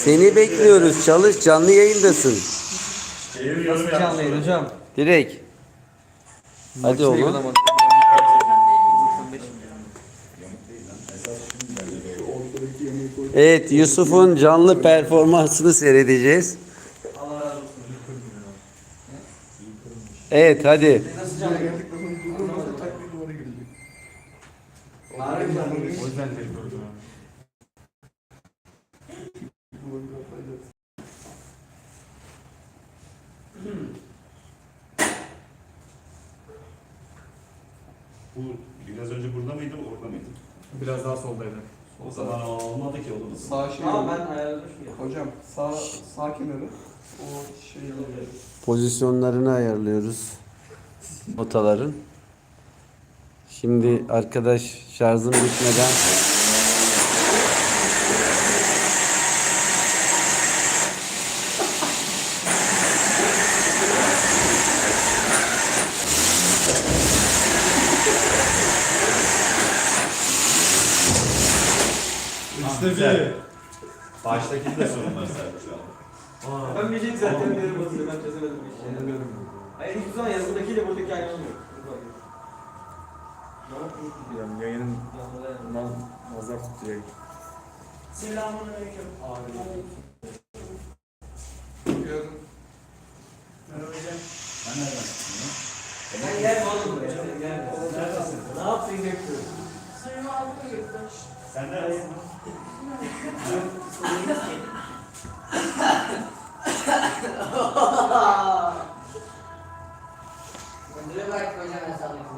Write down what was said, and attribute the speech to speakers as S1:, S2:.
S1: Seni bekliyoruz. Çalış, canlı yayındasın.
S2: Nasıl canlı yayın hocam?
S1: Direkt. Hadi
S2: Makineyi
S1: oğlum.
S2: bulamadım.
S1: Evet, Yusuf'un canlı performansını seyredeceğiz. Evet, hadi.
S2: Nasıl canlı yayın?
S3: O yüzden tek durdum.
S4: Bu biraz önce burada mıydı, orada mıydı?
S3: Biraz daha soldaydı.
S4: O zaman olmadı ki oğlum.
S5: Sağ şey
S2: Tamam ben ayarlamışım ya.
S5: hocam sağ kenarı o şey
S1: Pozisyonlarını ayarlıyoruz. Notaların. Şimdi arkadaş şarjım bitmeden
S3: İşte
S4: Baştaki de sorunlar sadece şu an.
S2: Ben bileyim zaten nereye basıyor ben çözemedim bir şey. Hayır hiçbir zaman yazıdakiyle buradaki aynı olmuyor.
S3: yani yayının nazar tutuyor.
S6: Selamünaleyküm.
S5: yapıyorum.
S4: Ben nereden çıktım
S2: Sen gel oğlum buraya. Sen gel. Ne yaptın bekliyorum.
S6: Suyumu aldım yurtta.
S4: Sen neredesin?
S7: Müdüre bıraktık hocam hesabını.